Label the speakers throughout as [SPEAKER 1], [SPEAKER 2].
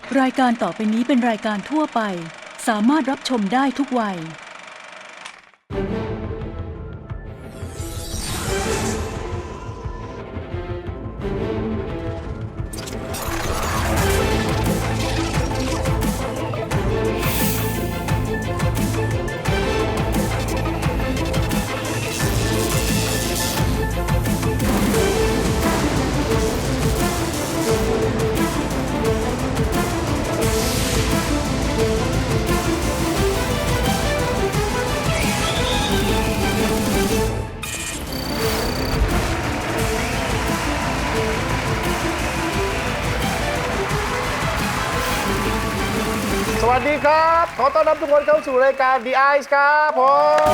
[SPEAKER 1] รายการต่อไปนี้เป็นรายการทั่วไปสามารถรับชมได้ทุกวัย
[SPEAKER 2] สวัสดีครับขอต้อนรับทุกคนเข้าสู่รายการ The Eyes ครับผม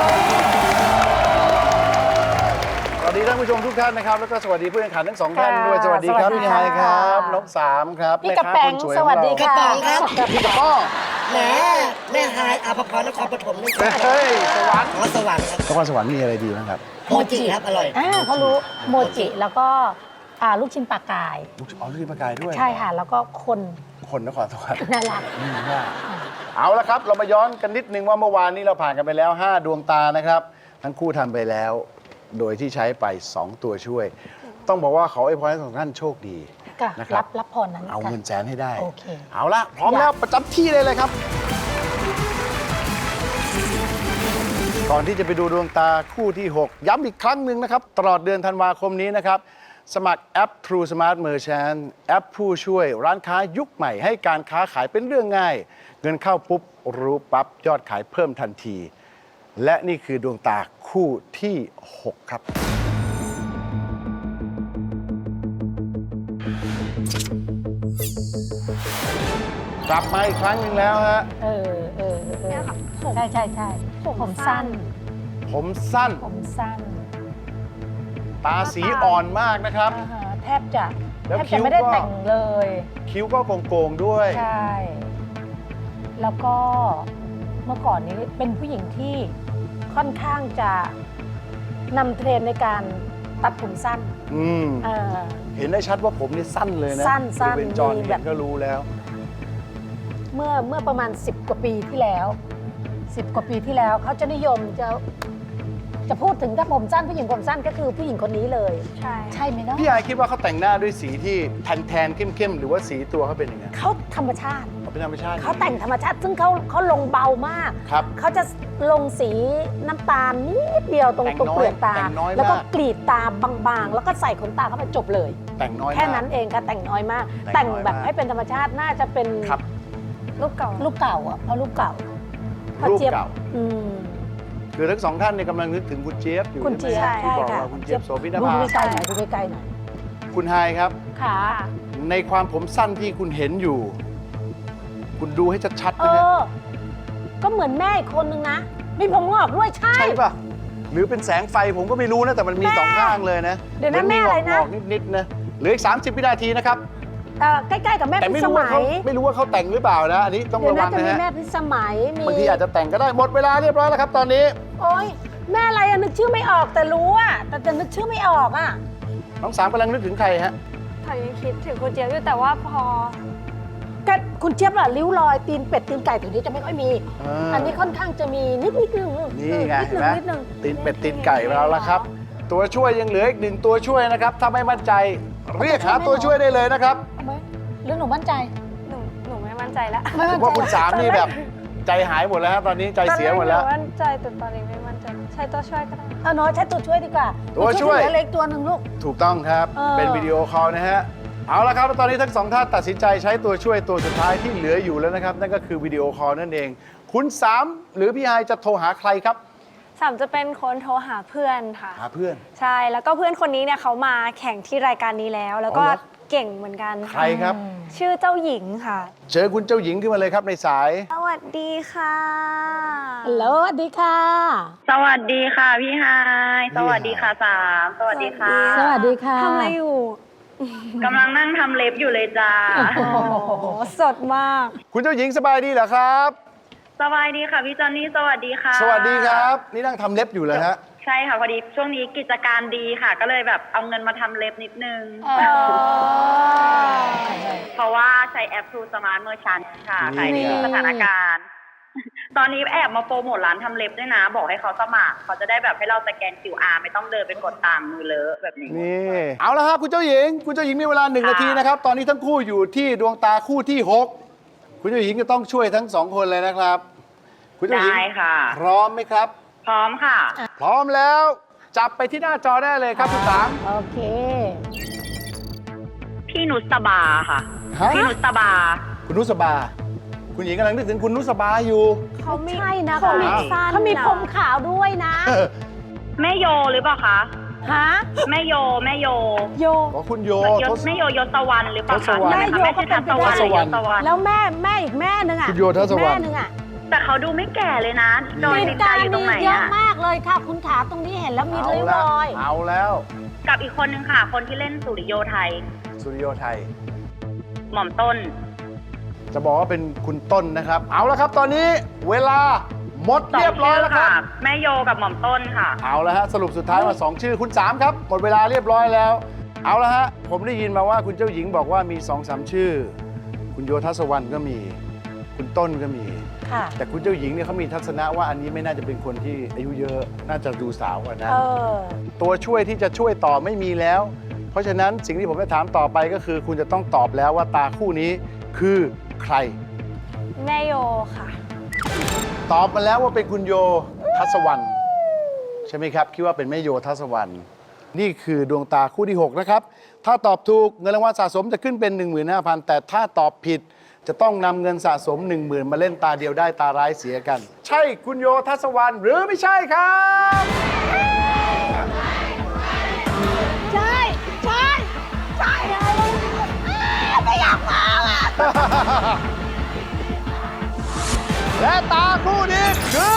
[SPEAKER 2] สวัสดีท่านผู้ชมทุกท่านนะครับแล้วก็สวัสดีผู้แข่งขันทั้งสองท่านด้วยสวัสดีครับพี่ไฮครับน้องสามครับ
[SPEAKER 3] พี่กระแปงสวัสดีค่ะ
[SPEAKER 2] พี่กระป้อ
[SPEAKER 3] แหมแม่ไฮอาภพรนครปฐมนี่
[SPEAKER 2] เฮ้ยสวรรค์
[SPEAKER 3] ขอสวรรค์ครับ
[SPEAKER 2] นครสวรรค์มีอะไรดีบ้างครับ
[SPEAKER 3] โมจิครับอร่อย
[SPEAKER 4] เขารู้โมจิแล้วก็ลูกชิ้นปลากาย
[SPEAKER 2] ลูกชิ้นปลากายด้วย
[SPEAKER 4] ใช่ค่ะ แล้วก็คน
[SPEAKER 2] คนนครสวรรค์
[SPEAKER 4] น่ารัก
[SPEAKER 2] เอาละครับเรามาย้อนกันนิดนึงว่าเมื่อวานนี้เราผ่านกันไปแล้ว5ดวงตานะครับทั้งคู่ทำไปแล้วโดยที่ใช้ไป2ตัวช่วย ต้องบอกว่าขออวยพรให้ทุกท่านโชคดี
[SPEAKER 4] ค่ะ
[SPEAKER 2] นะครับ
[SPEAKER 4] รับพรนั้น
[SPEAKER 2] เอาเงินแสนให้ได้
[SPEAKER 4] โอเค
[SPEAKER 2] เอาละพร้อมแล้วประจำที่เลยครับ ก่อนที่จะไปดูดวงตาคู่ที่ 6 ย้ำอีกครั้งหนึ่งนะครับ ตลอดเดือนธันวาคมนี้นะครับ สมัครแอป True Smart Merchant แอปผู้ช่วยร้านค้ายุคใหม่ให้การค้าขายเป็นเรื่องง่าย เงินเข้าปุ๊บ รู้ปั๊บ ยอดขายเพิ่มทันที และนี่คือดวงตาคู่ที่ 6 ครับ กลับมาอีกครั้งหนึ่งแล้วฮะ
[SPEAKER 4] ใช่ผมสั้น
[SPEAKER 2] ผมสั้น
[SPEAKER 4] ผมสั้น
[SPEAKER 2] ตาสีอ่อนมากนะครับ
[SPEAKER 4] แทบจะ
[SPEAKER 2] แล้ว
[SPEAKER 4] แทบ
[SPEAKER 2] คิ้
[SPEAKER 4] จะ
[SPEAKER 2] ว
[SPEAKER 4] ไม่ได้
[SPEAKER 2] ก็
[SPEAKER 4] แต่งเลย
[SPEAKER 2] คิ้วก็โกงๆด้วย
[SPEAKER 4] ใช่ แล้วก็เมื่อก่อนนี้เป็นผู้หญิงที่ค่อนข้างจะนำเทรนด์ในการตัดผมสั้น
[SPEAKER 2] อืม
[SPEAKER 4] เออ
[SPEAKER 2] เห็นได้ชัดว่าผมนี่สั้นเลยนะ
[SPEAKER 4] สั้น
[SPEAKER 2] ดูเป็นจอน
[SPEAKER 4] มี
[SPEAKER 2] เห็
[SPEAKER 4] แบ
[SPEAKER 2] น
[SPEAKER 4] บ
[SPEAKER 2] ก็รู้แล้ว
[SPEAKER 4] เมื่อประมาณ10 กว่าปีที่แล้ว10 กว่าปีที่แล้วเขาจะนิยมจะพูดถึงถ้าผมสั้นผู้หญิงผมสั้นก็คือผู้หญิงคนนี้เลยใช่ไหมเนาะ
[SPEAKER 2] พี่ไอคิดว่าเขาแต่งหน้าด้วยสีที่แทนๆเข้มๆหรือว่าสีตัวเขาเป็นยังไง
[SPEAKER 4] เขาธรรมชาติ
[SPEAKER 2] เขาเป็นธรรมชาติ
[SPEAKER 4] เขาแต่งธรรมชาติซึ่งเขาลงเบามาก
[SPEAKER 2] ครับ
[SPEAKER 4] เขาจะลงสีน้ำตาลนิดเดียวตรง
[SPEAKER 2] แต่ง
[SPEAKER 4] ตรง
[SPEAKER 2] น้อย
[SPEAKER 4] เปลือกตา
[SPEAKER 2] แต่งน้อยมาก
[SPEAKER 4] แล้วก็กรีดตาบางๆ แล้วก็ใส่ขนตาเข้าไปจบเลย
[SPEAKER 2] แต่งน้อย
[SPEAKER 4] แค่
[SPEAKER 2] มาก
[SPEAKER 4] นั้นเองค่ะแต่งน้อยมาก
[SPEAKER 2] แต่
[SPEAKER 4] แต่
[SPEAKER 2] ง
[SPEAKER 4] ง
[SPEAKER 2] น้อย
[SPEAKER 4] แบบ
[SPEAKER 2] มาก
[SPEAKER 4] ให้เป็นธรรมชาติน่าจะเป็น
[SPEAKER 2] ครับ
[SPEAKER 4] รูปเก่าอ่ะเพราะรูปเก่าพอ
[SPEAKER 2] รูป
[SPEAKER 4] เจี๊ยบ
[SPEAKER 2] เก่า
[SPEAKER 4] อืม
[SPEAKER 2] คือทั้งสองท่านเนี่ยกำลังนึกถึงคุณเจี๊ยบอยู่
[SPEAKER 4] คุณเจี๊ยบ
[SPEAKER 2] ใช่ไหมที่บอก
[SPEAKER 4] ใช่ค่ะ
[SPEAKER 2] เราคุณเจี๊ยบโสภิน
[SPEAKER 4] ดู
[SPEAKER 2] ภา
[SPEAKER 4] ใกล้ๆหน่อยดูใกล้ๆหน่อย
[SPEAKER 2] คุณไฮครับ
[SPEAKER 4] ค่ะ
[SPEAKER 2] ในความผมสั้นที่คุณเห็นอยู่ คุณดูให้ชัดๆ
[SPEAKER 4] เอ
[SPEAKER 2] นะฮะ
[SPEAKER 4] อ ก็เหมือนแม่อีกคนนึงนะ มีผมงอกด้วยใช่
[SPEAKER 2] ใช่ป่ะหรือเป็นแสงไฟผมก็ไม่รู้นะแต่มันมี
[SPEAKER 4] แม่
[SPEAKER 2] สองข้างเลยนะ
[SPEAKER 4] เดี๋ยวนะ
[SPEAKER 2] ห
[SPEAKER 4] แม่
[SPEAKER 2] มี
[SPEAKER 4] อะไรนะ
[SPEAKER 2] งอกๆนิดๆนะเหลืออีก30 วินาทีนะครับ
[SPEAKER 4] ใกล้ๆกับแม่
[SPEAKER 2] แต่
[SPEAKER 4] พิ
[SPEAKER 2] ไม่
[SPEAKER 4] ส
[SPEAKER 2] รู้ว่า
[SPEAKER 4] มั
[SPEAKER 2] เขา
[SPEAKER 4] ย
[SPEAKER 2] ไม่รู้ว่าเขาแต่งหรือเปล่านะอันนี้ต้อง
[SPEAKER 4] เดี๋ยว
[SPEAKER 2] ระวั
[SPEAKER 4] น่าง จะ
[SPEAKER 2] นะ
[SPEAKER 4] มี
[SPEAKER 2] ฮะ
[SPEAKER 4] แม่พิสมัยมี
[SPEAKER 2] บางทีอาจจะแต่งก็ได้หมดเวลาเรียบร้อยแล้วครับตอนนี้
[SPEAKER 4] โอ๊ยแม่อะไรอะนึกชื่อไม่ออกแต่รู้อะแต่จะนึกชื่อไม่ออกอะ
[SPEAKER 2] น้องสามกำลังนึกถึงใครฮะ
[SPEAKER 5] เขายังคิดถึงคุณเจี๊ยบอยู่แต่ว่าพอ
[SPEAKER 4] ก็คุณเจี๊ยบล่ะริ้วรอยตีนเป็ดตีนไก่ถึงนี้จะไม่ค่อยมี อันนี้ค่อนข้างจะมีนิดนึง
[SPEAKER 2] นี่ไง
[SPEAKER 4] นิด
[SPEAKER 2] เห็น
[SPEAKER 4] นึ
[SPEAKER 2] ไหม
[SPEAKER 4] นิดนึง
[SPEAKER 2] ตีนเป็ดตีนไก่เราแล้วครับ ตัวช่วยยังเหลืออีก1ตัวช่วยนะครับถ้าไม่มั่นใจเรียกหาตัวช่วยได้เลยนะครับ
[SPEAKER 4] เอาไหมหรือหนูมั่นใจ
[SPEAKER 5] หนูไม่มั่นใจแล้ว
[SPEAKER 4] ไม่
[SPEAKER 2] ผ
[SPEAKER 4] มั่
[SPEAKER 2] ม
[SPEAKER 4] นใจ
[SPEAKER 2] ว่าคุณสามนี่แบบใจหายหมดแล้วฮะตอนนี้ใจเสียหมดแล้ว
[SPEAKER 5] ตอนแรกนูมั่นใจแต่ตอนนี้ไม่มั่นใจใช้ตัวช่วยก็ได้
[SPEAKER 4] เอาน้อยใช้ตัวช่วยดีกว่า
[SPEAKER 2] ตัวช่วย
[SPEAKER 4] เหลือเล็กตัวหนึ่งลูก
[SPEAKER 2] ถูกต้องครับ
[SPEAKER 4] เออ
[SPEAKER 2] เป็นวิดีโอคอลนะฮะ เอาละครับแล้วตอนนี้ทั้งสองท่านตัดสินใจใช้ตัวช่วยตัวสุดท้ายที่เหลืออยู่แล้วนะครับ นั่นก็คือวิดีโอคอลนั่นเอง คุณสามหรือพี่ไฮจะโทรหาใครครับ
[SPEAKER 5] สามจะเป็นคนโทรหาเพื่อนค่ะ
[SPEAKER 2] หาเพื่อน
[SPEAKER 5] ใช่แล้วก็เพื่อนคนนี้เนี่ยเขามาแข่งที่รายการนี้แล้ว แล้วก็
[SPEAKER 2] อ๋อเหรอ
[SPEAKER 5] เก่งเหมือนกัน
[SPEAKER 2] ใครครับ
[SPEAKER 5] ชื่อเจ้าหญิงค่ะ
[SPEAKER 2] เชิญคุณเจ้าหญิงขึ้นมาเลยครับในสาย
[SPEAKER 5] สวัสดีค่ะ
[SPEAKER 4] ฮัลโหลสวัสดีค่ะ
[SPEAKER 6] สวัสดีค่ะพี่ไฮายสวัสดีค่ะสามสวัสดีค่ะ
[SPEAKER 4] สวัสดีค่ะ
[SPEAKER 5] ทำอะไรอยู่
[SPEAKER 6] กำลังนั่งทำเล็บอยู่เลยจ้า
[SPEAKER 5] โอ้โหสดมาก
[SPEAKER 2] คุณเจ้าหญิงสบายดีเหรอครับ
[SPEAKER 6] สบายดีค่ะพี่จอนนี่สวัสดีค่ะ
[SPEAKER 2] สวัสดีครับ นี่นั่งทำเล็บอยู่เลยฮะ
[SPEAKER 6] ใช่ค่ะพอดีช่วงนี้กิจการดีค่ะ ก็เลยแบบเอาเงินมาทำเล็บนิดนึง เพราะว่าช้แอป True Smart Merchant ค่ะ
[SPEAKER 2] นี่
[SPEAKER 6] ขายในทุกสถานการณ์ ตอนนี้แอบมาโปรโมทร้านทำเล็บด้วยนะ บอกให้เขาสมัครเขาจะได้แบบให้เราสแกน QR ไม่ต้องเดินไปกดตามมือเลอะแบบนี้
[SPEAKER 2] นี่เอาละครับคุณเจ้าหญิงมีเวลา1 นาทีนะครับ ตอนนี้ทั้งคู่อยู่ที่ดวงตาคู่ที่ 6 คุณเจ้าหญิงจะต้องช่วยทั้ง2 คนเลยนะครับ คุณเจ้าหญิง
[SPEAKER 6] ได้ค่ะ
[SPEAKER 2] พร้อมไหมครับ
[SPEAKER 6] พร้อมค่ะ
[SPEAKER 2] พร้อมแล้วจับไปที่หน้าจอได้เลยครับคุณสาม
[SPEAKER 4] โอเค
[SPEAKER 6] พี่นุสบาค่ะ
[SPEAKER 2] ฮะ
[SPEAKER 6] พี่นุสบา
[SPEAKER 2] คุณนุสบา คุณหญิงกำลังนึกถึงคุณนุสบาอยู่
[SPEAKER 5] เขาไม่
[SPEAKER 4] ใช่นะ
[SPEAKER 5] เขามี
[SPEAKER 2] อ้าว
[SPEAKER 5] สั้น
[SPEAKER 4] เขามี
[SPEAKER 5] นะ
[SPEAKER 4] ผมขาวด้วยนะ
[SPEAKER 6] แม่โยหรือเปล่าคะ
[SPEAKER 4] ฮะ
[SPEAKER 6] แม่โย
[SPEAKER 4] โย
[SPEAKER 2] ขอคุณโย
[SPEAKER 6] แม่โยยศวรรณหรือเปล่า
[SPEAKER 2] ทศ
[SPEAKER 6] คะ
[SPEAKER 2] วรรณ
[SPEAKER 6] ใช่ไหมคะแม่ชื่อทัศวรรณหรือยศวรรณ
[SPEAKER 4] แล้วแม่อีกแม่นึงอ่ะ
[SPEAKER 2] คุณโยทัศวรรณ
[SPEAKER 4] แม่นึงอ่ะ
[SPEAKER 6] แต่เขาดูไม่แก่เลยนะรอย
[SPEAKER 4] มี
[SPEAKER 6] ติดใจ
[SPEAKER 4] การ
[SPEAKER 6] อยู่ตร
[SPEAKER 4] มี
[SPEAKER 6] งไหน
[SPEAKER 4] เยอะ
[SPEAKER 6] อะ
[SPEAKER 4] มากเลยค่ะ คุณขาตรงนี้เห็นแล้วมี
[SPEAKER 2] เอา
[SPEAKER 4] ริ้ว
[SPEAKER 2] แล้
[SPEAKER 4] ร
[SPEAKER 2] ว
[SPEAKER 4] อย
[SPEAKER 2] เอาแล้ว
[SPEAKER 6] กับอีกคนนึงค่ะ คนที่เล่นสุริโยไทย
[SPEAKER 2] สุริโยไทย
[SPEAKER 6] หม่อมต้น
[SPEAKER 2] จะบอกว่าเป็นคุณต้นนะครับ เอาละครับตอนนี้เวลาหมด
[SPEAKER 6] สอง
[SPEAKER 2] เรียบร้อยแล้วค
[SPEAKER 6] ชื่
[SPEAKER 2] รับ
[SPEAKER 6] แม่โยกับหม่อมต้นค่ะ
[SPEAKER 2] เอาละฮะสรุปสุดท้ายมา2 ชื่อคุณ 3 ครับ หมดเวลาเรียบร้อยแล้ว เอาละฮะผมได้ยินมาว่าคุณเจ้าหญิงบอกว่ามี 2-3 ชื่อ คุณโยทัศวรรณก็มี คุณต้นก็มี
[SPEAKER 4] ค่ะ
[SPEAKER 2] แต่คุณเจ้าหญิงเนี่ยเขามีทัศนะว่าอันนี้ไม่น่าจะเป็นคนที่อายุเยอะน่าจะดูสาวกว่านั้น ตัวช่วยที่จะช่วยต่อไม่มีแล้ว เพราะฉะนั้นสิ่งที่ผมจะถามต่อไปก็คือ คุณจะต้องตอบแล้วว่าตาคู่นี้คือใคร
[SPEAKER 5] แม่โยค่ะ
[SPEAKER 2] ตอบมาแล้วว่าเป็นคุณโยทัศวรรณใช่ไหมครับ คิดว่าเป็นแม่โยทัศวรรณนี่คือดวงตาคู่ที่ 6 นะครับ ถ้าตอบถูกเงินรางวัลสะสมจะขึ้นเป็น 15,000 แต่ถ้าตอบผิดจะต้องนำเงินสะสม 10,000 มาเล่นตาเดียวได้ตาร้ายเสียกัน ใช่คุณโยทัศวรรณหรือไม่ใช่ครับ
[SPEAKER 4] ใช่ ใช่ ใช่ไม่อยากฟังอ่ะ
[SPEAKER 2] และตาคู่นี้คือ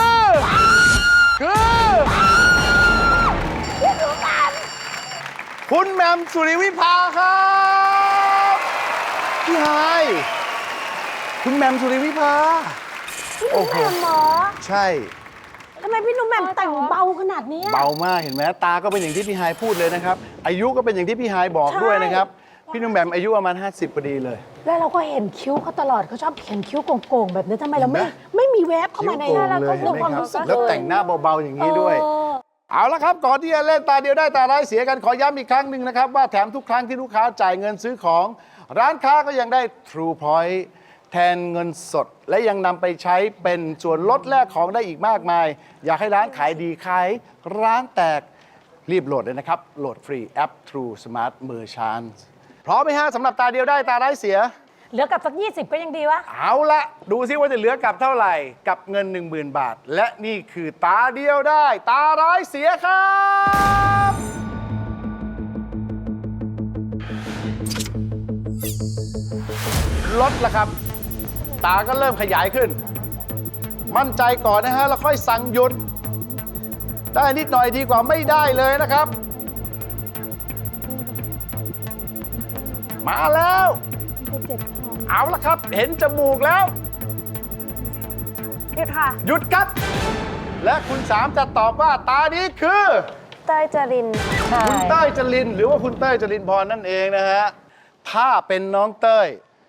[SPEAKER 2] คุณแหม่มสุริวิภาครับพี่ไฮายคุณแหม่มสุริวิภา โอ้โห
[SPEAKER 4] แหม่มหมอ
[SPEAKER 2] ใช่
[SPEAKER 4] ทำไมพี่หนุ่มแหม่มแต่งเบาขนาดนี้
[SPEAKER 2] เบามากเห็นไหมตาก็เป็นอย่างที่พี่ไฮายพูดเลยนะครับ อายุก็เป็นอย่างที่พี่ไฮายบอกด้วยนะครับ พี่หนุ่มแหม่มอายุประมาณ50พอดีเลย
[SPEAKER 4] แล้วเราก็เห็นคิ้วเขาตลอดเขาชอบเขียนคิ้วโก่งๆแบบนี้ทำไมเรา
[SPEAKER 2] เห็นไหม
[SPEAKER 4] ไม่มีแวบเข้ามาใน
[SPEAKER 2] คิ้วโก่ง
[SPEAKER 4] เรา
[SPEAKER 2] เล
[SPEAKER 4] ก็
[SPEAKER 2] ยเห็
[SPEAKER 4] ดู
[SPEAKER 2] นไหม
[SPEAKER 4] ความ
[SPEAKER 2] ครับ
[SPEAKER 4] รู้สึก
[SPEAKER 2] แล้ว
[SPEAKER 4] เลย
[SPEAKER 2] แต่งหน้าเบาๆอย่างนี้ด้วย
[SPEAKER 4] เออ
[SPEAKER 2] เอาละครับ ก่อนที่จะเล่นตาเดียวได้ตาร้ายเสียกันขอย้ำอีกครั้งหนึ่งนะครับ ว่าแถมทุกครั้งที่ลูกค้าจ่ายเงินซื้อของ ร้านค้าก็ยังได้ True Point แทนเงินสด และยังนำไปใช้เป็นส่วนลดแลกของได้อีกมากมาย อยากให้ร้านขายดีขายร้านแตกรีบโหลดเลยนะครับ โหลดฟรีแอป True Smart Merchant พร้อมไหมฮะสำหรับตาเดียวได้ตาร้ายเสีย
[SPEAKER 4] เหลือกับสัก20ก็ยังดีวะ
[SPEAKER 2] เอาละดูซิว่าจะเหลือกับเท่าไหร่กับเงิน 10,000 บาท และนี่คือตาเดียวได้ ตาร้ายเสียครับลดละครับ ตาก็เริ่มขยายขึ้น มั่นใจก่อนนะฮะ แล้วค่อยสั่งหยุด ได้นิดหน่อยดีกว่าไม่ได้เลยนะครับ มาแล้ว เอาละครับ เห็นจมูกแล้ว
[SPEAKER 5] หยุดค่ะ
[SPEAKER 2] หยุดครับ และคุณสามจะตอบว่าตานี้คือ
[SPEAKER 5] เต้ยจริน
[SPEAKER 2] คุณเต้ยจรินหรือว่าคุณเต้ยจรินพรนั่นเองนะฮะ ถ้าเป็นน้องเต้ย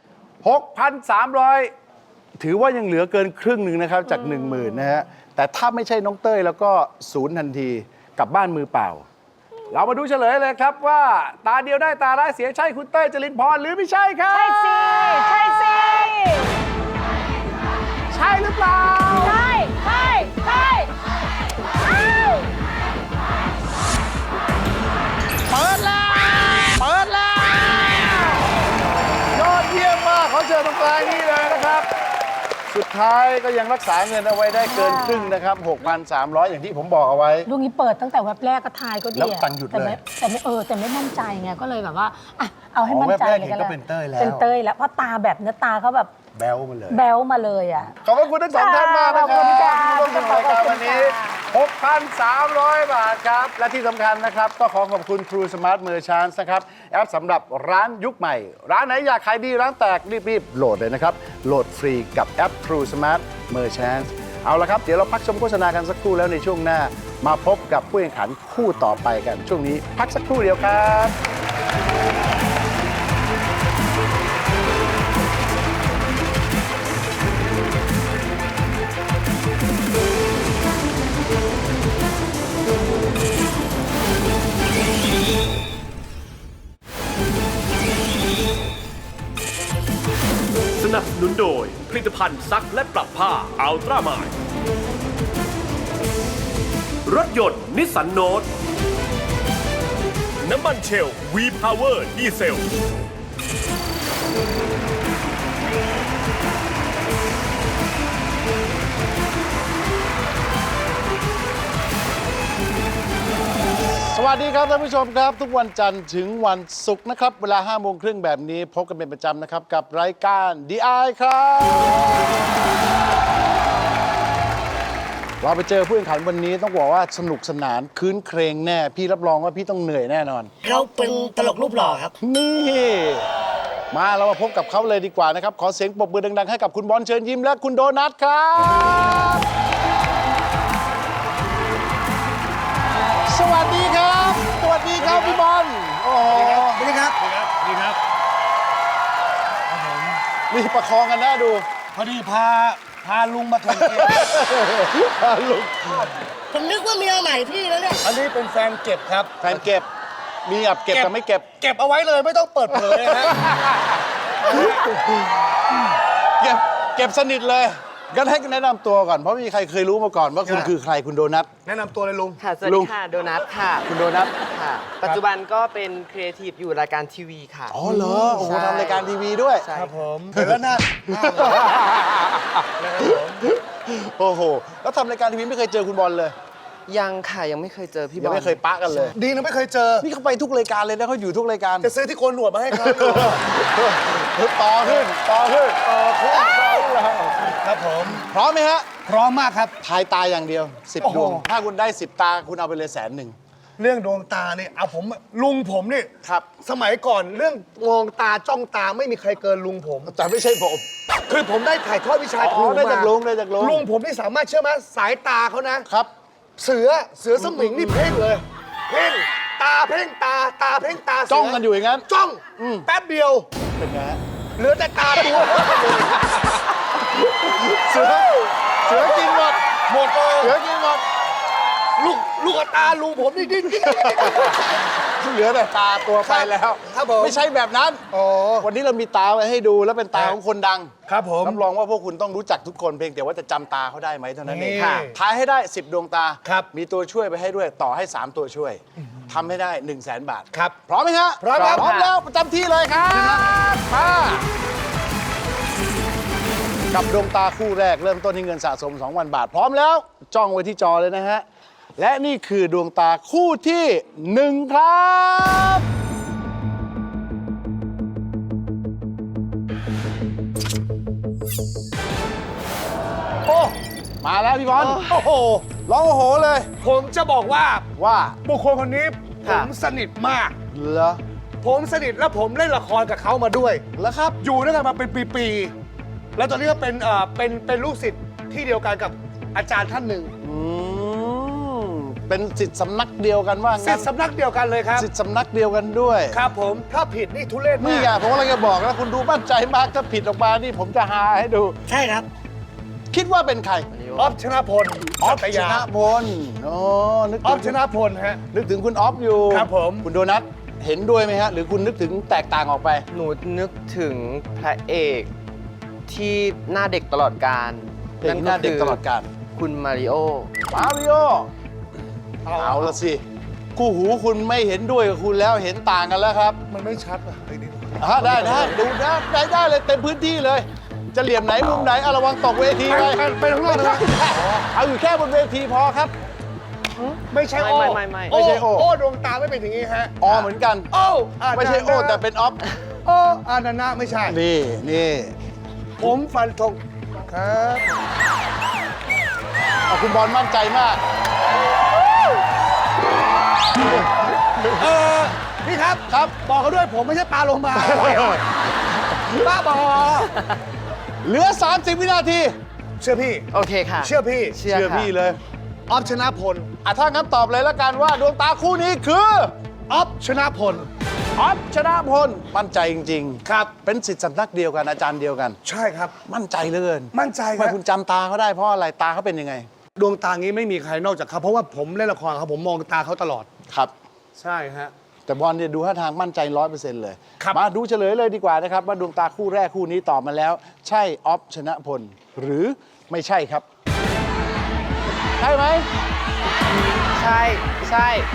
[SPEAKER 2] 6,300 ถือว่ายังเหลือเกินครึ่งหนึ่งนะครับจาก 10,000 นะฮะ แต่ถ้าไม่ใช่น้องเต้ยแล้วก็ศูนย์ทันทีกลับบ้านมือเปล่า เรามาดูเฉลยเลยครับว่าตาเดียวได้ตาร้ายเสียใช่คุณเต้ยจรินพรหรือไม่ใช่ครับ
[SPEAKER 4] ใช่สิ ใช่สิ
[SPEAKER 2] ใช่หรือเปล่า
[SPEAKER 4] ใช่ใช่ใช่อ้าว
[SPEAKER 2] เปิดแล้ว เปิดแล้ว ยอดเยี่ยมมากขอเชิญตรงกลางนี้เลยนะครับ สุดท้ายก็ยังรักษาเงินเอาไว้ได้เกินครึ่งนะครับ 6,300 อย่างที่ผมบอกเอาไว้
[SPEAKER 4] ลูกนี้เปิดตั้งแต่แว็บแรกก็ทายก็ดี
[SPEAKER 2] แล้ว
[SPEAKER 4] อะ
[SPEAKER 2] ตังค์หยุดเลย
[SPEAKER 4] แต่ไม่มั่นใจไงก็เลยแบบว่าอ่ะเอาให้
[SPEAKER 2] อ๋อ
[SPEAKER 4] มั่นใจ
[SPEAKER 2] แว็บแรก
[SPEAKER 4] เลย
[SPEAKER 2] เห็นก็
[SPEAKER 4] ก็
[SPEAKER 2] เป็นเต้ยแล้ว
[SPEAKER 4] เป็นเต้ยแล้วเพราะตาแบบเนื้อตาเขาแบบ
[SPEAKER 2] แบ๊วมาเลย
[SPEAKER 4] แบ๊วมาเลยอ่ะ
[SPEAKER 2] ขอบคุณทั้งสองท่านมากนะค
[SPEAKER 4] ข
[SPEAKER 2] รั
[SPEAKER 4] อ
[SPEAKER 2] บบ
[SPEAKER 4] คุณค่ะ
[SPEAKER 2] ที่ร่วมสนุกรายการวันนี้
[SPEAKER 4] ขอบคุณ
[SPEAKER 2] 6,300 บาทครับ และที่สำคัญนะครับ ก็ขอขอบคุณ True Smart Merchants นะครับ แอปสำหรับร้านยุคใหม่ ร้านไหนอยากขายดีร้านแตกรีบๆ โหลดเลยนะครับ โหลดฟรีกับแอป True Smart Merchants เอาละครับ เดี๋ยวเราพักชมโฆษณากันสักครู่แล้วในช่วงหน้า มาพบกับผู้แข่งขันคู่ต่อไปกัน ช่วงนี้พักสักครู่เดียวครับ
[SPEAKER 7] นับสนุนโดยผลิตภัณฑ์ซักและปรับผ้าอัลตร้ามายรถยนต์นิสสันโนตน้ำมันเชล V-Power ดีเซล
[SPEAKER 2] สวัสดีครับท่านผู้ชมครับ ทุกวันจันทร์ถึงวันศุกร์นะครับ เวลา 5 โมงครึ่งแบบนี้พบกันเป็นประจำนะครับ กับรายการ DI ครับ เราไปเจอผู้แข่งขันวันนี้ต้องบอกว่าสนุกสนานคืนเครงแน่ พี่รับรองว่าพี่ต้องเหนื่อยแน่นอน
[SPEAKER 3] เขาเป็นตลกรูปหล่อครับ
[SPEAKER 2] นี่ มาเรามาพบกับเขาเลยดีกว่านะครับ ขอเสียงปรบมือดังๆให้กับคุณบอลเชิญยิ้มและคุณโดนัทครับ สวัสดีครับ สวัสดีครับพี่บอล โอ้โห
[SPEAKER 3] สวัสดีครับ
[SPEAKER 8] ดีครับ
[SPEAKER 2] นี่ประคองกันน่าดู
[SPEAKER 8] พอดีพาลุงมาแข่งเกม
[SPEAKER 2] ลุง
[SPEAKER 3] ผมนึกว่าเมียใหม่พี่แล้วเนี่ย
[SPEAKER 8] อันนี้เป็นแฟนเก็บครับ
[SPEAKER 2] แฟนเก็บ มีแบบเก็บกับไม่เก็บ
[SPEAKER 8] เก็บเอาไว้เลยไม่ต้องเปิดเผยนะฮะ
[SPEAKER 2] เก็บสนิทเลยงั้นให้แนะนำตัวก่อน เพราะไม่มีใครเคยรู้มาก่อนว่าคุณ
[SPEAKER 8] ครับ
[SPEAKER 2] คือใครคุณโดนัท
[SPEAKER 8] แนะนำตัวเลยลุง
[SPEAKER 9] ค่ะ สวัส
[SPEAKER 2] ลุ
[SPEAKER 9] ดี
[SPEAKER 2] ง
[SPEAKER 9] ค่ะ โดนัทค่ะ
[SPEAKER 2] คุณโดนัท
[SPEAKER 9] ค่ะ ปัจจุบันก็เป็นครีเอทีฟอยู่รายการทีวีค่ะ
[SPEAKER 2] อ๋อเหรอ โอ้โห
[SPEAKER 9] ใช่
[SPEAKER 2] ทำรายการทีวีด้วย
[SPEAKER 9] ใช่
[SPEAKER 8] ครับผมเห็นแล้วหน้านะครับผม
[SPEAKER 2] โอ้โห แล้วทำรายการทีวีไม่เคยเจอคุณบอลเลย
[SPEAKER 9] ยังค่ะ ยังไม่เคยเจอพี่บ
[SPEAKER 2] ยั
[SPEAKER 9] อง ล
[SPEAKER 2] ไม่เคยปะกันเลย
[SPEAKER 8] ดีนะไม่เคยเจอ
[SPEAKER 2] นี่เขาไปทุกรายการเลยนะเขาอยู่ทุกรายการ
[SPEAKER 8] จะซื้อที่โกนหนวดมาให้เขาอยู่
[SPEAKER 2] ต่อขึ้น
[SPEAKER 8] ครับผม
[SPEAKER 2] พร้อมไหมฮะ
[SPEAKER 8] พร้อมมากครับ
[SPEAKER 2] ทายตาอย่างเดียว
[SPEAKER 8] โอ้
[SPEAKER 2] 10
[SPEAKER 8] โห
[SPEAKER 2] ดวง ถ้าคุณได้ 10 ตาคุณเอาไปเลย100,000
[SPEAKER 8] เรื่องดวงตาเนี่ยเอาผมลุงผมนี่
[SPEAKER 2] ครับ
[SPEAKER 8] สมัยก่อนเรื่องมองตาจ้องตาไม่มีใครเกินลุงผม
[SPEAKER 2] แต่ไม่ใช่ผม
[SPEAKER 8] คือผมได้ถ่ายทอดวิชาครู
[SPEAKER 2] ได้
[SPEAKER 8] มา
[SPEAKER 2] จากลุงได้จากลุง
[SPEAKER 8] ลุงผมนี่สามารถเชื่อไหมสายตาเขานะ
[SPEAKER 2] ครับ
[SPEAKER 8] เสือสมิงนี่เพ่งเลย เพ่งตาเพ่งตาเพ่งตาเสื
[SPEAKER 2] จ้องกันอยู่อย่างนั้น
[SPEAKER 8] จ้อง
[SPEAKER 2] อืม
[SPEAKER 8] แป๊บเดียว
[SPEAKER 2] เป็นไงฮะ
[SPEAKER 8] เหลือแต่ตาตัว
[SPEAKER 2] เสือกินหมด
[SPEAKER 8] หมดเลย
[SPEAKER 2] เสือกินหมด
[SPEAKER 8] ลูกกับตาลุงผมนี่ดิ้น
[SPEAKER 2] เหลือแต่ตาตัวไปแล้ว
[SPEAKER 8] ครับผม
[SPEAKER 2] ไม่ใช่แบบนั้น
[SPEAKER 8] อ๋อ
[SPEAKER 2] วันนี้เรามีตาไว้ให้ดูแล้วเป็นตาของคนดัง
[SPEAKER 8] ครับผม
[SPEAKER 2] รับรองว่าพวกคุณต้องรู้จักทุกคนเพียงแต่ว่าจะจำตาเขาได้ไหมเท่านั้นเอง
[SPEAKER 8] นี่
[SPEAKER 2] ค่ะทายให้ได้ 10 ดวงตา
[SPEAKER 8] ครับ
[SPEAKER 2] มีตัวช่วยไปให้ด้วยต่อให้ 3 ตัวช่วยทำให้ได้ 100,000 บาท
[SPEAKER 8] ครับ
[SPEAKER 2] พร้อมไหมฮะ
[SPEAKER 8] พร้อมครับ
[SPEAKER 2] พร้อมแล้วประจำที่เลยครับมากับดวงตาคู่แรกเริ่มต้นที่เงินสะสม 2,000 บาท พร้อมแล้วจ้องไว้ที่จอเลยนะฮะและนี่คือดวงตาคู่ที่ 1 ครับโอ้มาแล้วพี่บอล
[SPEAKER 8] โอ้โห
[SPEAKER 2] ร้องโอ้โหเลย
[SPEAKER 8] ผมจะบอกว่า
[SPEAKER 2] ว่า
[SPEAKER 8] บุคคลคนนี้ผมสนิทมาก
[SPEAKER 2] เหรอ
[SPEAKER 8] ผมสนิทและผมเล่นละครกับเขามาด้วย
[SPEAKER 2] แล้วครับ
[SPEAKER 8] อยู่ด้วยกันมาเป็นปีๆ แล้วตอนนี้ก็เป็นลูกศิษย์ที่เดียวกันกับอาจารย์ท่านหนึ่ง
[SPEAKER 2] อืมเป็นสิทธิ์สำนักเดียวกันว่า
[SPEAKER 8] ศิ
[SPEAKER 2] งั้
[SPEAKER 8] ษ
[SPEAKER 2] น
[SPEAKER 8] ย์สำนักเดียวกันเลยครับ
[SPEAKER 2] สิทธิ์สำนักเดียวกันด้วย
[SPEAKER 8] ครับผมถ้าผิดนี่ทุเรศ
[SPEAKER 2] นี่
[SPEAKER 8] มาก
[SPEAKER 2] ไงผมกำลังจะบอกนะคุณดูมั่นใจมากถ้าผิดออกมานี่ผมจะหาให้ดู
[SPEAKER 3] ใช่ครับ
[SPEAKER 2] คิดว่าเป็นใคร
[SPEAKER 8] ออฟชนะพล
[SPEAKER 2] ออฟ
[SPEAKER 8] สัต
[SPEAKER 2] ช
[SPEAKER 8] ยา
[SPEAKER 2] นะพลโอ้นึก
[SPEAKER 8] ออ
[SPEAKER 2] ถึ
[SPEAKER 8] ฟ
[SPEAKER 2] ง
[SPEAKER 8] ชนะพลฮะ
[SPEAKER 2] นึกถึงคุณออฟอยู่
[SPEAKER 8] ครับผม
[SPEAKER 2] คุณโดนัทเห็นด้วยไหมฮะ หรือคุณนึกถึงแตกต่างออกไป
[SPEAKER 9] หนูนึกถึงพระเอกที่หน้าเด็กตลอดกาล
[SPEAKER 2] เด็กหน้าเด็กตลอดกาล
[SPEAKER 9] คุณมาริโอ
[SPEAKER 2] มาริโอเอาละสิคู่หูคุณไม่เห็นด้วยกับคุณแล้วเห็นต่างกันแล้วครับ
[SPEAKER 8] มันไม่ชัดว่ะไอ้นี่
[SPEAKER 2] ได้ดูได้เลยเต็มพื้นที่เลย จะเหลี่ยมไหนมุมไหนเอาระวังตกเวทีไป
[SPEAKER 8] ไปข้างนอกเลย
[SPEAKER 2] เอาอยู่แค่บนเวทีพอครับ
[SPEAKER 8] ไม่ใช่โอ้
[SPEAKER 9] ไม่
[SPEAKER 2] ไม่ใช่โอ้
[SPEAKER 8] โอ้ดวงตาไม่เป็นอย่างนี้ฮะ
[SPEAKER 2] อเหมือนกัน
[SPEAKER 8] โอ้อา
[SPEAKER 2] ไม่ใช่โอแต่เป็นออฟ
[SPEAKER 8] โอ้อานานะไม่ใช่
[SPEAKER 2] นี่
[SPEAKER 8] ผมฟันธงครับ
[SPEAKER 2] เอาคุณบอลมั่นใจมาก
[SPEAKER 8] พี่ครับ
[SPEAKER 2] ครับ
[SPEAKER 8] บอกเขาด้วยผมไม่ใช่ปลาโลมาบ้าบอ
[SPEAKER 2] เหลือ 30 วินาที
[SPEAKER 8] เชื่อพี่
[SPEAKER 9] โอเคค่ะ
[SPEAKER 8] เชื่อพี่
[SPEAKER 9] เชื่อค่ะ
[SPEAKER 2] พี่เลย
[SPEAKER 8] ออฟชนะพล
[SPEAKER 2] ถ้างั้นตอบเลยละกันว่าดวงตาคู่นี้คือ
[SPEAKER 8] ออฟชนะพล
[SPEAKER 2] ออฟชนะพลมั่นใจจริงๆ
[SPEAKER 8] ครับ
[SPEAKER 2] เป็นศิษย์สำนักเดียวกันอาจารย์เดียวกัน
[SPEAKER 8] ใช่ครับ
[SPEAKER 2] มั่นใจเหลือเกิน
[SPEAKER 8] มั่นใจค
[SPEAKER 2] ทำไม
[SPEAKER 8] รับ
[SPEAKER 2] คุณจำตาเขาได้เพราะอะไรตาเขาเป็นยังไง
[SPEAKER 8] ดวงตางี้ไม่มีใครนอกจากเขาเพราะว่าผมเล่นละครเขาผมมองตาเขาตลอด
[SPEAKER 2] ครับ
[SPEAKER 8] ใช่ฮะ
[SPEAKER 2] แต่บอลเนี่ยดูท่าทางมั่นใจ 100% เลย
[SPEAKER 8] ครับ
[SPEAKER 2] มาดูเฉลยเลยดีกว่านะครับว่าดวงตาคู่แรกคู่นี้ตอบมาแล้ว ใช่ออฟชนะพล หรือไม่ใช่ครับ ใช่ไหม
[SPEAKER 9] ใช่ใช่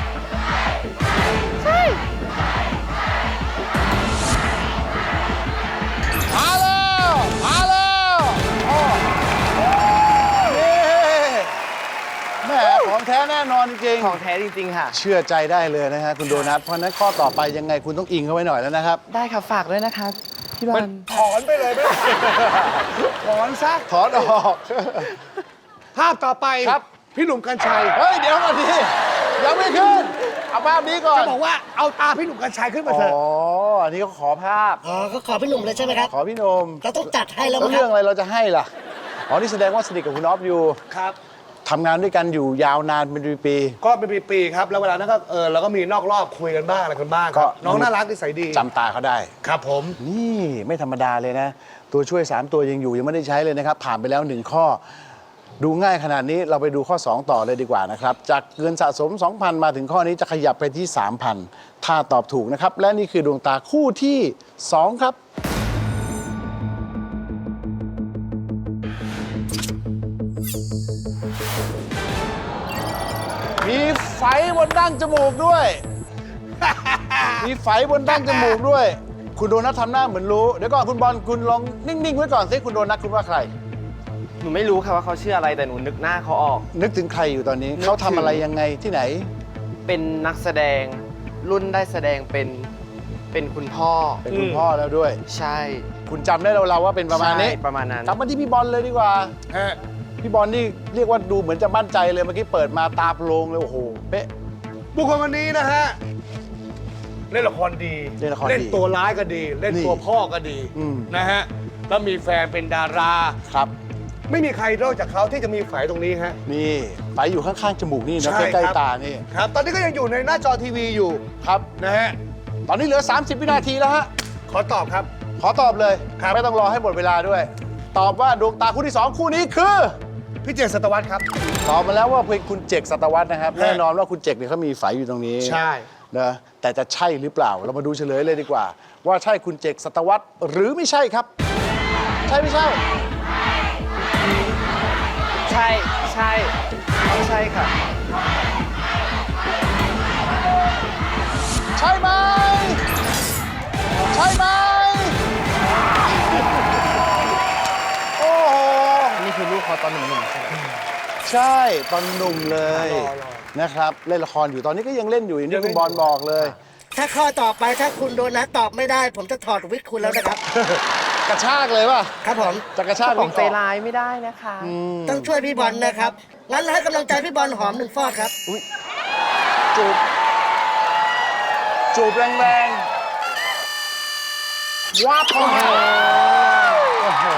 [SPEAKER 2] มาแล้วมาแล้วโอ้นี่แหม่ของแท้แน่นอนจริง
[SPEAKER 9] ของแท้จริง ๆ ค่ะ
[SPEAKER 2] เชื่อใจได้เลยนะฮะคุณโดนัท เพราะฉะนั้นข้อต่อไปยังไงคุณต้องอิงเข้าไว้หน่อยแล้วนะครับ
[SPEAKER 9] ได้ค่ะ ฝากด้วยนะคะพี่บอ
[SPEAKER 8] มัน
[SPEAKER 9] ล
[SPEAKER 8] ถอนไปเลยไม่ได้ถอนซะ
[SPEAKER 2] ถอนออก
[SPEAKER 8] ภาพต่อไป
[SPEAKER 2] ครับ
[SPEAKER 8] พี่หนุ่มกัญชัย
[SPEAKER 2] เฮ้ย เดี๋ยวก่อนดิยังไม่ขึ้น เอาภาพนี้ก่อน
[SPEAKER 8] จะบอกว่าเอาตาพี่หนุ่มกัญชัยขึ้นมา
[SPEAKER 2] อ๋
[SPEAKER 8] เถอะ
[SPEAKER 2] อ อันนี้ก็ขอภาพ
[SPEAKER 3] อ๋อก็ขอพี่หนุ่มเลยใช่ไหมครับ
[SPEAKER 2] ขอพี่นม
[SPEAKER 3] เราต้องจัดให้แล้ว
[SPEAKER 2] แล้ว
[SPEAKER 3] มั้งค
[SPEAKER 2] เรื่
[SPEAKER 3] รั
[SPEAKER 2] อบ งอะไรเราจะให้ล่ะ อ๋อ นี่แสดงว่าสนิทกับคุณออฟอยู่
[SPEAKER 8] ครับ
[SPEAKER 2] ทำงานด้วยกันอยู่ยาวนานเป็นปี
[SPEAKER 8] ก็เป็นปีๆครับ แล้วเวลานั้นก็เราก็มีนอกรอบคุยกันบ้างอะไรกันบ้างครับน้องน่ารักนิสัยดี
[SPEAKER 2] ๆจำตาเขาได้
[SPEAKER 8] ครับผม
[SPEAKER 2] นี่ไม่ธรรมดาเลยนะ ตัวช่วย 3 ตัวยังอยู่ยังไม่ได้ใช้เลยนะครับ ผ่านไปแล้ว 1 ข้อ ดูง่ายขนาดนี้เราไปดูข้อ 2 ต่อเลยดีกว่านะครับ จากเงินสะสม 2,000 มาถึงข้อนี้จะขยับไปที่ 3,000 ถ้าตอบถูกนะครับ และนี่คือดวงตาคู่ที่ 2 ครับ มีไฝบนดั้งจมูกด้วย มีไฝบนดั้งจมูกด้วย คุณโดนัททำหน้าเหมือนรู้ เดี๋ยวก่อนคุณบอลคุณลองนิ่ง ๆ ไว้ก่อนสิคุณโดนัทคุณว่าใคร
[SPEAKER 9] หนูไม่รู้ค่ะว่าเขาชื่ออะไรแต่หนูนึกหน้าเขาออก
[SPEAKER 2] นึกถึงใครอยู่ตอนนี้
[SPEAKER 9] นึกถึง
[SPEAKER 2] เขาทำอะไรยังไงที่ไหน
[SPEAKER 9] เป็นนักแสดงรุ่นได้แสดงเป็นคุณพ่อ
[SPEAKER 2] เป็นคุณพ่อแล้วด้วย
[SPEAKER 9] ใช่
[SPEAKER 2] คุณจำได้เราว่าเป็นประมาณนี้
[SPEAKER 9] ใช่ประมาณนั้น
[SPEAKER 2] กลับมาที่พี่บอลเลยดีกว่า
[SPEAKER 8] ฮะ
[SPEAKER 2] พี่บอลนี่เรียกว่าดูเหมือนจะมั่นใจเลยเมื่อกี้เปิดมาตาโปร่งเลยโอ้โหเป๊ะ
[SPEAKER 8] บุคคลคนนี้นะฮะ เล่นละครดี
[SPEAKER 2] เล่นละครดี
[SPEAKER 8] เล่นตัวร้ายก็ดี เล่น
[SPEAKER 2] นี่
[SPEAKER 8] ตัวพ่อก็ดี
[SPEAKER 2] อืม
[SPEAKER 8] นะฮะ แล้วมีแฟนเป็นดารา
[SPEAKER 2] ครับ
[SPEAKER 8] ไม่มีใครนอกจากเขาที่จะมีไฝตรงนี้ฮะ
[SPEAKER 2] นี่ไฝอยู่ข้างๆจมูกนี่นะ
[SPEAKER 8] ใช่
[SPEAKER 2] ใกล้
[SPEAKER 8] ครับ
[SPEAKER 2] ๆตานี่
[SPEAKER 8] ครับ ตอนนี้ก็ยังอยู่ในหน้าจอทีวีอยู่
[SPEAKER 2] ครับ
[SPEAKER 8] นะฮะ
[SPEAKER 2] ตอนนี้เหลือ 30 วินาทีแล้วฮะ
[SPEAKER 8] ขอตอบครับ
[SPEAKER 2] ขอตอบเลย
[SPEAKER 8] ครับ
[SPEAKER 2] ไม่ต้องรอให้หมดเวลาด้วย ตอบว่าดวงตาคู่ที่ 2 คู่นี้คือ
[SPEAKER 8] พี่เจษศตวรรษครับ
[SPEAKER 2] ตอบมาแล้วว่าเป็นคุณเจกสัตวัฒน์นะครับ
[SPEAKER 8] ฮะ
[SPEAKER 2] แน่นอนว่าคุณเจกเนี่ยเขามีไฝอยู่ตรงนี้
[SPEAKER 8] ใช่
[SPEAKER 2] นะแต่จะใช่หรือเปล่า เรามาดูเฉลยเลยดีกว่า ว่าใช่คุณเจกสัตวัฒน์หรือไม่ใช่ครับ ใช่ไม่ใช่
[SPEAKER 9] ใช่ใช่ต้องใช่ค่ะ
[SPEAKER 2] ใช่ไหมใช่ไหมโอ้โห
[SPEAKER 9] นี่คือลูกเขาตอนหนุ่มๆใช่ไหม
[SPEAKER 2] ใช่ตอนหนุ่มเลย
[SPEAKER 8] รอ
[SPEAKER 2] นะครับเล่นละครอยู่ตอนนี้ก็ยังเล่นอยู่อย่างที่คุณบอลบอกเลย
[SPEAKER 3] ถ้าข้อต่อไปถ้าคุณโดนัทตอบไม่ได้ ผมจะถอดวิกคุณแล้วนะครับ
[SPEAKER 2] กระชากเลยป่ะ
[SPEAKER 3] ครับผม
[SPEAKER 2] จะกระชาก
[SPEAKER 9] ขอ
[SPEAKER 2] วิ
[SPEAKER 9] ง
[SPEAKER 2] ก
[SPEAKER 9] ใจ
[SPEAKER 2] ออก
[SPEAKER 9] ร้ายไม่ได้นะคะ
[SPEAKER 3] ต้องช่วยพี่บอลนะครับ งั้นให้กำลังใจพี่บอลหอมหนึ่งฟอดครับ
[SPEAKER 2] จูบจูบแรงๆวับเข้ามาโอ้โห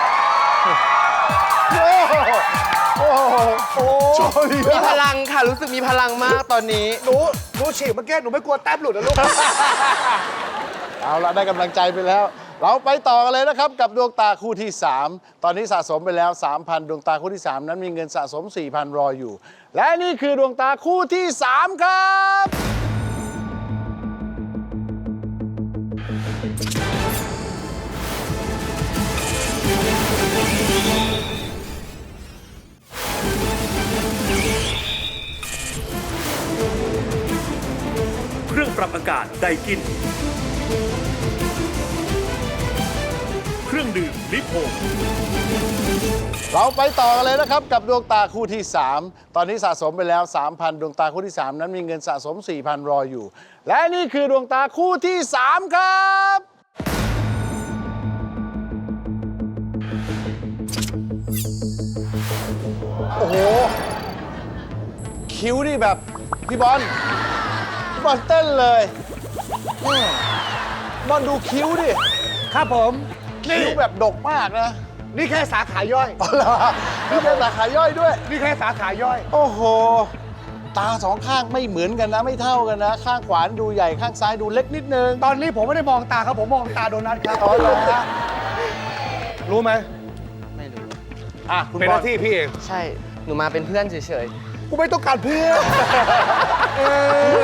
[SPEAKER 2] โอ้โหโอ้โห
[SPEAKER 9] มีพลังค่ะ รู้สึกมีพลังมากตอนนี้
[SPEAKER 8] หนูฉีกเมื่อกี้หนูไม่กลัวแต้มหลุดนะลูก
[SPEAKER 2] เอาละได้กำลังใจไปแล้ว เราไปต่อกันเลยนะครับ กับดวงตาคู่ที่ 3 ตอนนี้สะสมไปแล้ว 3,000 ดวงตาคู่ที่ 3 นั้นมีเงินสะสม 4,000 รออยู่ และนี่คือดวงตาคู่ที่ 3 ครับ
[SPEAKER 7] เครื่องปรับอากาศไดกิน เครื่องดื่มลิโพง
[SPEAKER 2] เราไปต่อกันเลยนะครับ กับดวงตาคู่ที่ 3 ตอนนี้สะสมไปแล้ว 3,000 ดวงตาคู่ที่ 3 นั้นมีเงินสะสม 4,000 รออยู่ และนี่คือดวงตาคู่ที่ 3 ครับ โอ้โห คิ้วนี่แบบพี่บอลเต้นเลยบอลดูคิ้วดิ
[SPEAKER 8] ครับผม
[SPEAKER 2] คิ้วแบบดกมากนะ
[SPEAKER 8] นี่แค่สาขาย่อย
[SPEAKER 2] อ๋อเหรอนี่เป็นสาขาย่อยด้วย
[SPEAKER 8] นี่แค่สาขาย่อย
[SPEAKER 2] โอ้โห ตาสองข้างไม่เหมือนกันนะ ไม่เท่ากันนะ ข้างขวาดูใหญ่ข้างซ้ายดูเล็กนิดนึง
[SPEAKER 8] ตอนนี้ผมไม่ได้มองตาครับ ผมมองตาโดนัทครับ
[SPEAKER 2] อ๋อเหรอฮะ
[SPEAKER 8] รู้ไหม
[SPEAKER 9] ไม่รู้
[SPEAKER 2] อ่ะคุณ
[SPEAKER 8] เป็น
[SPEAKER 2] บ
[SPEAKER 8] ห
[SPEAKER 2] อล
[SPEAKER 8] น้าที่พี่เอง
[SPEAKER 9] ใช่ หนูมาเป็นเพื่อนเฉย
[SPEAKER 8] กูไม่ต้องการเพื่อนเออ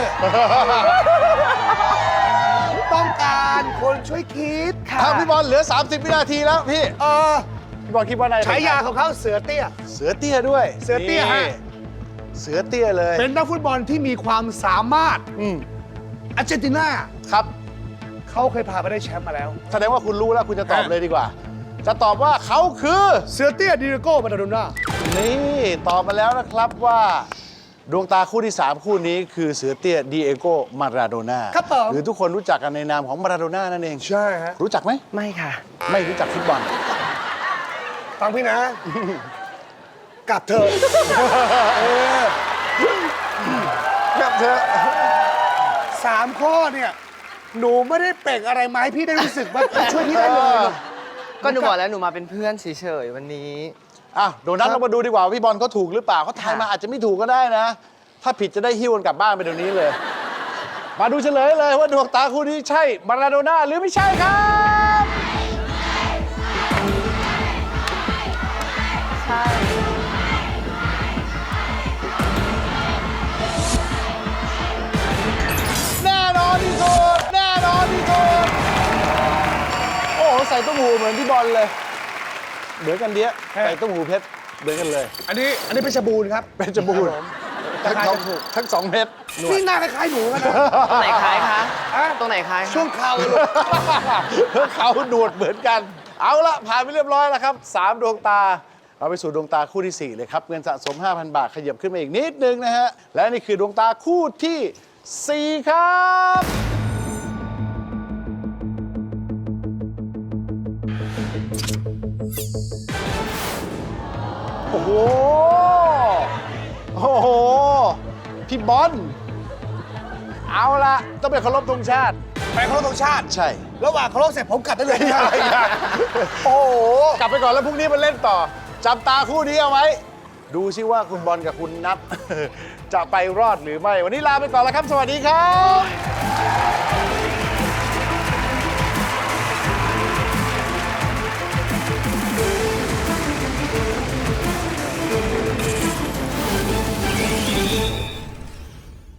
[SPEAKER 8] ต้องการคนช่วยคิด
[SPEAKER 2] ถ้าพี่บอลเหลือ 30 วินาทีแล้วพี่ พี่บอลคิดว่าอะไร
[SPEAKER 8] ฉายาของเขาเสือเตี้ย
[SPEAKER 2] เสือเตี้ยด้วย
[SPEAKER 8] เสือเตี้ยฮะ
[SPEAKER 2] นี่เสือเตี้ยเลย
[SPEAKER 8] เป็นนักฟุตบอลที่มีความสามารถ อาร์เจนตินา
[SPEAKER 2] ครับ
[SPEAKER 8] เขาเคยพาไปได้แชมป์มาแล้ว
[SPEAKER 2] แสดงว่าคุณรู้แล้วคุณจะตอบเลยดีกว่า จะตอบว่าเขาคือ
[SPEAKER 8] เสือเตี้ยดิเรโก้มาราโดน่า
[SPEAKER 2] นี่ตอบมาแล้วนะครับว่า ดวงตาคู่ที่ 3 คู่นี้คือเสือเตี้ยดีเอโกมาราโดน่า
[SPEAKER 8] ครับผม
[SPEAKER 2] หรือทุกคนรู้จักกันในนามของมาราโดน่านั่นเอง
[SPEAKER 8] ใช่ฮะ
[SPEAKER 2] รู้จักไหม
[SPEAKER 9] ไม่ค่ะ
[SPEAKER 2] ไม่รู้จักฟุตบอล
[SPEAKER 8] ฟังพี่นะ กลับเถอะ
[SPEAKER 2] ครับเธอ
[SPEAKER 8] 3 ข้อเนี่ย หนูไม่ได้เปล่งอะไรมาให้พี่ได้รู้สึกว่าช่วยพี่ได้เลย
[SPEAKER 9] ก็หนูบอกแล้วหนูมาเป็นเพื่อนเฉยๆวันนี้
[SPEAKER 2] อ่ะโดนัทเรามาดูดีกว่าว่าพี่บอลเขาถูกหรือเปล่าเขาทายมาอาจจะไม่ถูกก็ได้นะ ถ้าผิดจะได้หิ้วกันกลับบ้านไปเดี๋ยวนี้เลย มาดูเฉลยเลยว่าดวงตาคู่นี้ใช่มาราโดน่าหรือไม่ใช่ครับ
[SPEAKER 5] ใช่
[SPEAKER 2] แน่นอนที่สุดแน่นอนที่สุดโอ้โหใส่ตุ้มหูเหมือนพี่บอลเลยเหมือนกันเดียใส่ตุ้มหูเพชรเหมือนกันเลย
[SPEAKER 8] อันนี้เพชรบูรณ์ครับ
[SPEAKER 2] เป็นจมูก
[SPEAKER 8] ครับผม
[SPEAKER 2] ทั้งสองเพชร
[SPEAKER 8] นี่หน้าคล้ายๆหนูกันนะ
[SPEAKER 9] ตรงไหนคล้ายคะ
[SPEAKER 8] ฮะ
[SPEAKER 9] ตรงไหนคล้ายคะ
[SPEAKER 8] ช่วงเข่าลูก
[SPEAKER 2] เขาหนวดเหมือนกัน เอาละผ่านไปเรียบร้อยแล้วครับ3ดวงตา เราไปสู่ดวงตาคู่ที่ 4 เลยครับ เงินสะสม 5,000 บาทขยับขึ้นมาอีกนิดนึงนะฮะ และนี่คือดวงตาคู่ที่ 4 ครับ โอ้โห โอ้โห พี่บอล เอาละต้องไปเคารพธงชาติ
[SPEAKER 8] ไปเคารพธงชาติ
[SPEAKER 2] ใช่
[SPEAKER 8] ระหว่างเคารพเสร็จผมกลับได้เลยนะ
[SPEAKER 2] โอ้โห กลับไปก่อนแล้วพรุ่งนี้มาเล่นต่อ จับตาคู่นี้เอาไว้ ดูซิว่าคุณบอลกับคุณนัท จะไปรอดหรือไม่ วันนี้ลาไปก่อนแล้วครับ สวัสดีครับ